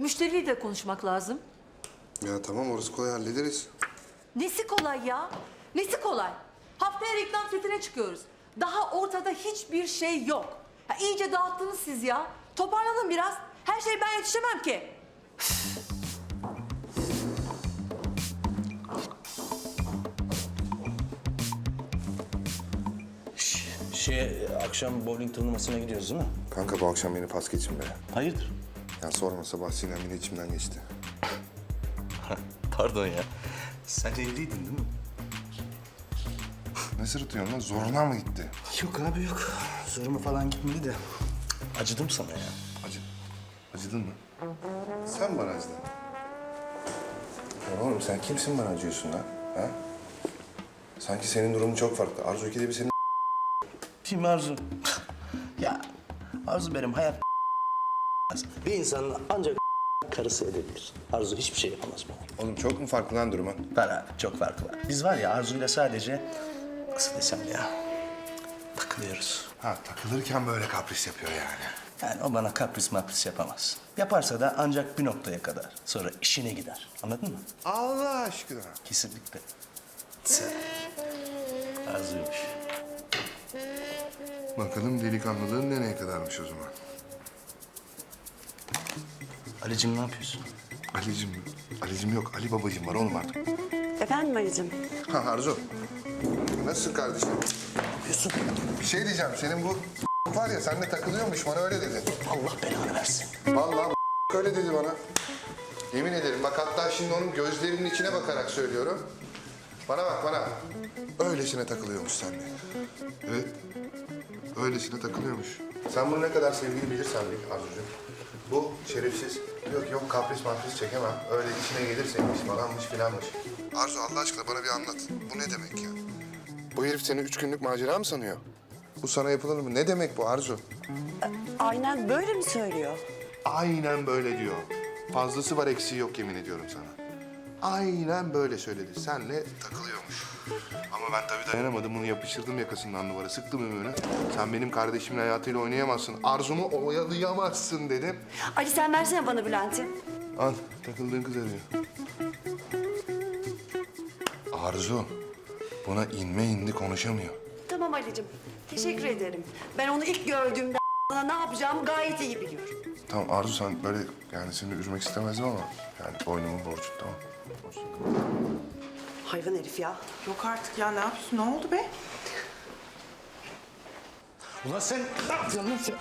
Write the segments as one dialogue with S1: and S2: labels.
S1: Müşteriyle de konuşmak lazım.
S2: Ya tamam orası kolay hallederiz.
S1: Nesi kolay ya? Nesi kolay? Haftaya reklam setine çıkıyoruz. Daha ortada hiçbir şey yok. Ya iyice dağıttınız siz ya. Toparlanın biraz. Her şeye ben yetişemem ki.
S3: Akşam bowling turnuvasına gidiyoruz değil mi?
S2: Kanka bu akşam beni pas geçin be.
S3: Hayırdır?
S2: Ya sorma sabah Sinem yine içimden geçti.
S3: Pardon ya. Sen evliydin değil mi?
S2: Ne sırıtıyorsun lan? Zoruna mı gitti?
S3: Yok abi yok. Zoruma falan gitmedi de. Acıdım sana ya.
S2: Acıdın mı? Sen bana acıdın. Ya oğlum sen kimsin bana acıyorsun lan? Ha? Sanki senin durumun çok farklı. Arzu ikide bir senin...
S3: Kim Arzu? Ya Arzu benim hayat bir insanın ancak karısı edebilir. Arzu hiçbir şey yapamaz bana.
S2: Oğlum çok mu farklı lan durumun?
S3: Var abi çok farkı var. Biz var ya Arzu'yla sadece nasıl desem ya takılıyoruz.
S2: Ha takılırken böyle kapris yapıyor yani.
S3: Yani o bana kapris mapris yapamaz. Yaparsa da ancak bir noktaya kadar. Sonra işine gider. Anladın mı?
S2: Allah aşkına.
S3: Kesinlikle. Arzuymuş.
S2: Bakalım delikanlılığın nereye kadarmış o zaman?
S3: Ali'cim ne yapıyorsun?
S2: Ali'cim yok. Ali babacığım var oğlum artık.
S4: Efendim Ali'cim?
S2: Ha Arzu. Nasılsın kardeşim?
S3: Yapıyorsun.
S2: Bir şey diyeceğim. Senin bu var ya seninle takılıyormuş bana öyle dedi.
S3: Allah belanı versin.
S2: Vallahi öyle dedi bana. Yemin ederim bak hatta şimdi onun gözlerinin içine bakarak söylüyorum. Bana bak bana. Öylesine takılıyormuş seninle. Evet. Öylesine takılıyormuş. Sen bunu ne kadar sevdiğini bilirsen bil Arzucuğum. Bu şerefsiz. Yok kapris mapris çekemem. Öyle içine gelirseymiş falanmış filanmış. Arzu Allah aşkına bana bir anlat. Bu ne demek ya? Bu herif seni 3 günlük macera mı sanıyor? Bu sana yapılır mı? Ne demek bu Arzu?
S4: Aynen böyle mi söylüyor?
S2: Aynen böyle diyor. Fazlası var eksiği yok yemin ediyorum sana. Aynen böyle söyledi. Senle takılıyormuş. Ama ben tabii dayanamadım. Bunu yapıştırdım yakasından duvara. Sıktım ümüğünü. Sen benim kardeşimin hayatıyla oynayamazsın. Arzumu oyalayamazsın dedim.
S4: Ali sen versene bana Bülent'i.
S2: Al takıldığın kız arıyor. Arzu buna inme indi konuşamıyor.
S4: Tamam Ali'cim. Teşekkür ederim. Ben onu ilk gördüğümde bana ne yapacağımı gayet iyi biliyorum.
S2: Tamam Arzu sen böyle yani seni üzmek istemezdim ama yani boynumun borcu tamam.
S4: Hayvan herif ya.
S5: Yok artık ya ne yapıyorsun? Ne oldu be?
S3: Ulan sen ne yapıyorsun lan sen?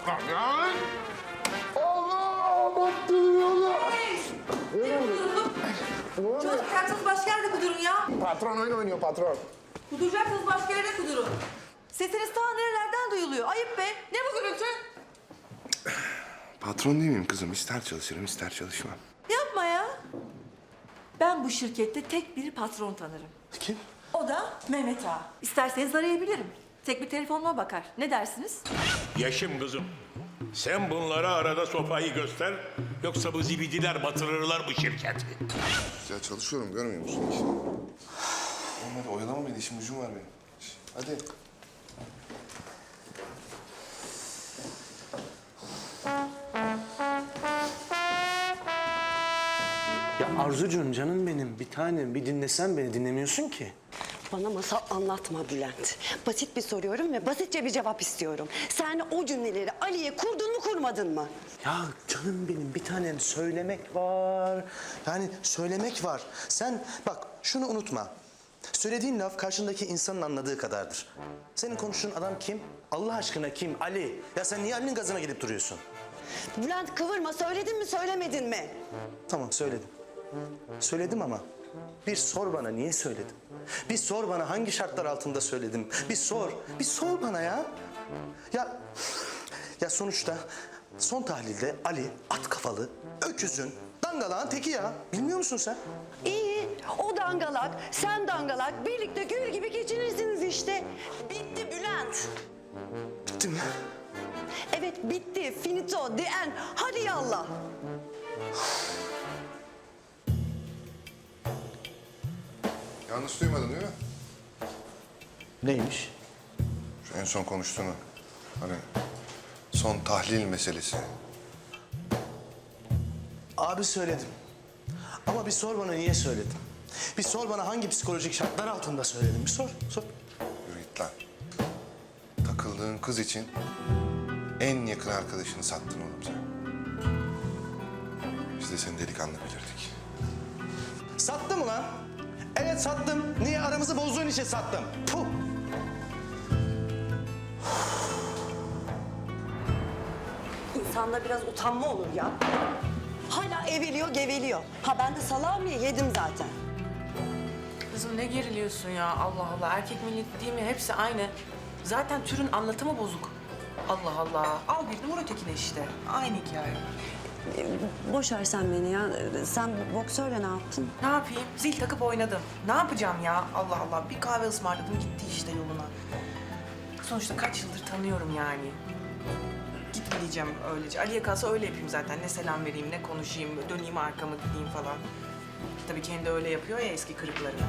S1: Çalışacaksınız başka yerde kudurun ya.
S2: Patron oyun oynuyor patron.
S1: Kuduracaksınız başka yerde kudurun. Sesiniz ta nerelerden duyuluyor. Ayıp be. Ne bu gürültü?
S2: Patron değil miyim kızım? İster çalışırım ister çalışmam.
S1: Yapma ya. Ben bu şirkette tek bir patron tanırım.
S3: Kim?
S1: O da Mehmet Ağa. İsterseniz arayabilirim. Tek bir telefonuma bakar. Ne dersiniz?
S6: Yaşım kızım. Sen bunlara arada sopayı göster. Yoksa bu zibidiler batırırlar bu şirketi.
S2: Ya çalışıyorum görmüyor musun işi? Olmadı oyalama beni işim gücüm var benim. Hadi.
S3: Ya Arzucuğum canım benim bir tanem bir dinlesen beni dinlemiyorsun ki.
S4: Bana masal anlatma Bülent. Basit bir soruyorum ve basitçe bir cevap istiyorum. Sen o cümleleri Ali'ye kurdun mu kurmadın mı?
S3: Ya canım benim bir tanem söylemek var. Yani söylemek var. Sen bak şunu unutma. Söylediğin laf karşındaki insanın anladığı kadardır. Senin konuştuğun adam kim? Allah aşkına kim? Ali. Ya sen niye Ali'nin gazına gidip duruyorsun?
S4: Bülent kıvırma. Söyledin mi söylemedin mi?
S3: Tamam söyledim. Söyledim ama bir sor bana niye söyledim? Bir sor bana hangi şartlar altında söyledim? Bir sor. Bir sor bana ya. Ya sonuçta son tahlilde Ali at kafalı, öküzün, dangalağın teki ya. Bilmiyor musun sen?
S4: İyi. O dangalak, sen dangalak. Birlikte gül gibi geçinirsiniz işte. Bitti Bülent.
S3: Bitti mi?
S4: Evet bitti. Finito, the end. Hadi yallah.
S2: Yanlış duymadın değil mi?
S3: Neymiş?
S2: Şu en son konuştuğunu. Hani son tahlil meselesi.
S3: Abi söyledim. Ama bir sor bana niye söyledim. Bir sor bana hangi psikolojik şartlar altında söyledim. Bir sor, sor.
S2: Yürü git lan. Takıldığın kız için en yakın arkadaşını sattın oğlum sen. Biz de seni delikanlı bilirdik.
S3: Sattım ulan. Evet sattım. Niye aramızı bozduğun için sattım. Puh.
S4: İnsanda biraz utanma olur ya. Hala eveliyor, geveliyor. Ha ben de salami yedim zaten.
S5: Kızım ne geriliyorsun ya Allah Allah. Erkek milleti değil mi? Hepsi aynı. Zaten türün anlatımı bozuk. Allah Allah. Al birini vur ötekine işte. Aynı hikaye.
S4: Boş ver sen beni ya. Sen boksörle ne yaptın?
S5: Ne yapayım? Zil takıp oynadım. Ne yapacağım ya? Allah Allah. Bir kahve ısmarladım gitti işte yoluna. Sonuçta kaç yıldır tanıyorum yani. Gitme diyeceğim öylece. Ali'ye kalsa öyle yapayım zaten. Ne selam vereyim, ne konuşayım, döneyim arkamı gideyim falan. Tabii kendi öyle yapıyor ya eski kırıklarına.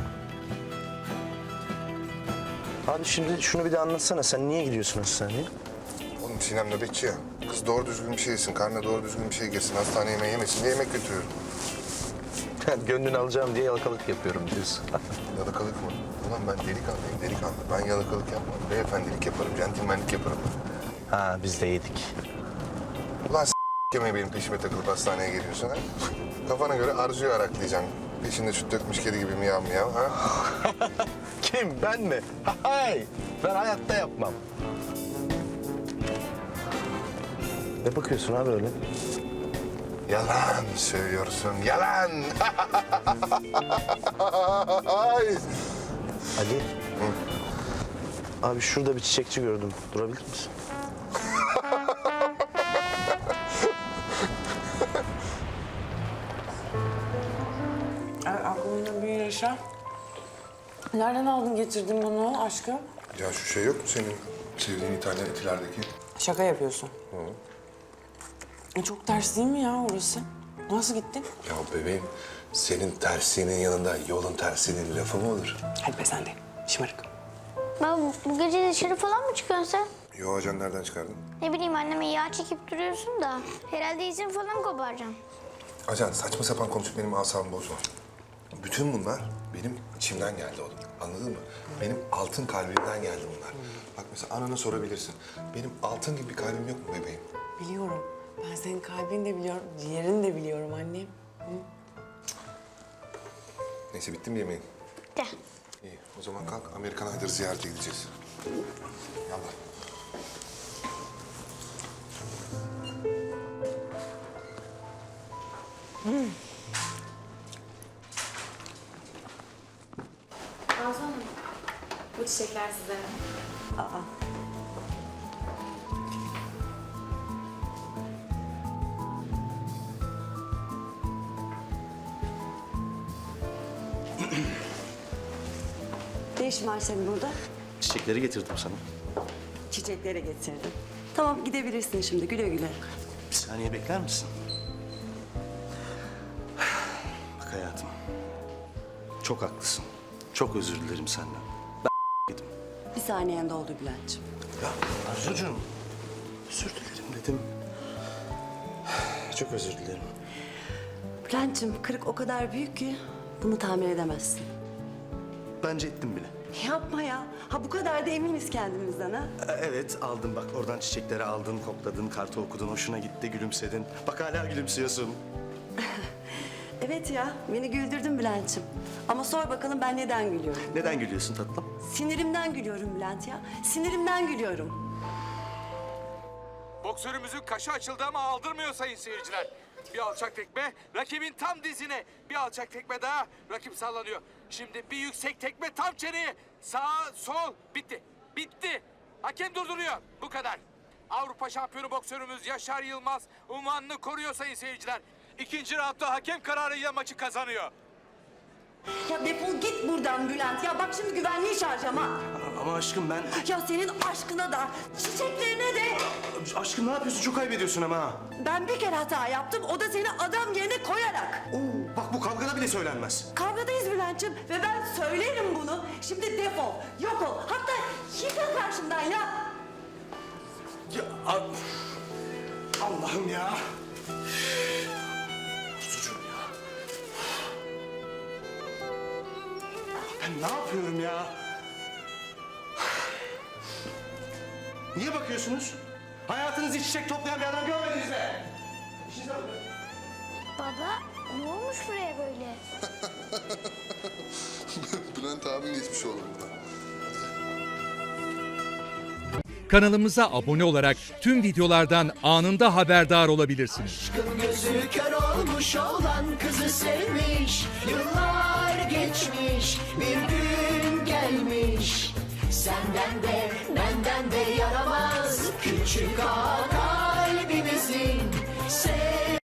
S3: Abi şimdi şunu bir de anlatsana. Sen niye gidiyorsun hastaneye?
S2: Oğlum Sinem nöbetçi ya. Kız doğru düzgün bir şey yesin, karnına doğru düzgün bir şey girsin, hastane yemeği yemesin diye yemek götürüyorum.
S3: Gönlünü alacağım diye yalakalık yapıyorum diyorsun.
S2: Yalakalık mı? Ulan ben delikanlıyım, delikanlı. Ben yalakalık yapmam, beyefendilik yaparım, centilmenlik yaparım.
S3: Ha biz de yedik.
S2: Ulan yemeği benim peşime takılıp hastaneye geliyorsun ha? Kafana göre Arzu'yu araklayacaksın. Peşinde süt dökmüş kedi gibi miyav miyav ha?
S3: Kim? Ben mi? Hay! Ben hayatta yapmam. Ne bakıyorsun abi öyle?
S2: Yalan söylüyorsun, yalan!
S3: Ali. Abi şurada bir çiçekçi gördüm. Durabilir misin?
S5: Aklımda bir yaşa. Nereden aldın getirdin bunu aşkım?
S2: Ya şu şey yok mu senin sevdiğin İtalyan etilerdeki?
S5: Şaka yapıyorsun. Çok ters değil mi ya orası? Nasıl gittin?
S2: Ya bebeğim, senin tersinin yanında yolun tersinin lafı mı olur?
S5: Hadi be sen de. Şımarık.
S7: Baba bu gece dışarı falan mı çıkıyorsun sen?
S2: Yo ajan nereden çıkardın?
S7: Ne bileyim anneme yağ çekip duruyorsun da. Herhalde izin falan koparacaksın.
S2: Ajan saçma sapan konuşup benim asabımı bozma. Bütün bunlar benim içimden geldi oğlum. Anladın mı? Benim altın kalbimden geldi bunlar. Bak mesela anana sorabilirsin. Benim altın gibi bir kalbim yok mu bebeğim?
S5: Biliyorum. Ben senin kalbini de biliyorum, ciğerini de biliyorum annem.
S2: Neyse bitti mi yemeğin?
S7: De.
S2: İyi o zaman kalk Amerikan Aydar'ı ziyarete gideceğiz. Yallah.
S8: Arzu Hanım, bu çiçekler size.
S4: Ne işin var senin burada?
S3: Çiçekleri getirdim sana.
S4: Çiçeklere getirdim. Tamam gidebilirsin şimdi güle güle.
S3: Bir saniye bekler misin? Bak hayatım. Çok haklısın. Çok özür dilerim senden. Ben yedim.
S4: Bir saniyen doldu Bülent'ciğim.
S3: Ya Arzucuğum. Özür dilerim dedim. Çok özür dilerim.
S4: Bülent'ciğim kırık o kadar büyük ki bunu tahmin edemezsin.
S3: Bence ettim bile.
S4: Yapma ya. Ha bu kadar da eminiz kendimizden ha.
S3: Evet aldım bak oradan çiçekleri aldın, kokladın, kartı okudun, hoşuna gitti, gülümsedin. Bak hala gülümsüyorsun.
S4: Evet ya beni güldürdün Bülent'ciğim. Ama sor bakalım ben neden gülüyorum?
S3: Neden gülüyorsun tatlım?
S4: Sinirimden gülüyorum Bülent ya. Sinirimden gülüyorum.
S9: Boksörümüzün kaşı açıldı ama aldırmıyor sayın seyirciler. Bir alçak tekme, rakibin tam dizine. Bir alçak tekme daha, rakip sallanıyor. Şimdi bir yüksek tekme tam çeneye. Sağ, sol, bitti. Bitti. Hakem durduruyor. Bu kadar. Avrupa şampiyonu boksörümüz Yaşar Yılmaz unvanını koruyor sayın seyirciler. İkinci roundda hakem kararıyla maçı kazanıyor.
S4: Ya defol git buradan Bülent. Ya bak şimdi güvenliği çağıracağım ha.
S3: Ama aşkım ben...
S4: Ya senin aşkına da, çiçeklerine de.
S3: Aşkım ne yapıyorsun? Çok kaybediyorsun ama ha.
S4: Ben bir kere hata yaptım. O da seni adam yerine koyarak.
S3: Oo, bak bu kavgada bile söylenmez.
S4: Kavgadayız Bülent'ciğim ve ben söylerim bunu. Şimdi defol, yok ol. Hatta yıkıl karşımdan ya.
S3: Ya Allah'ım ya. Ben ne yapıyorum ya? Niye bakıyorsunuz? Hayatınızı çiçek toplayan bir adam görmediniz mi? İşinize bakın.
S7: Baba ne olmuş buraya böyle?
S2: Bülent abim geçmiş olur burada.
S10: Kanalımıza abone olarak tüm videolardan anında haberdar olabilirsiniz.
S11: Gözü kör olmuş olan kızı sevmiş. Yıllar geçmiş, bir gün gelmiş. Senden de benden de yaramaz küçük ağa kalbimizin.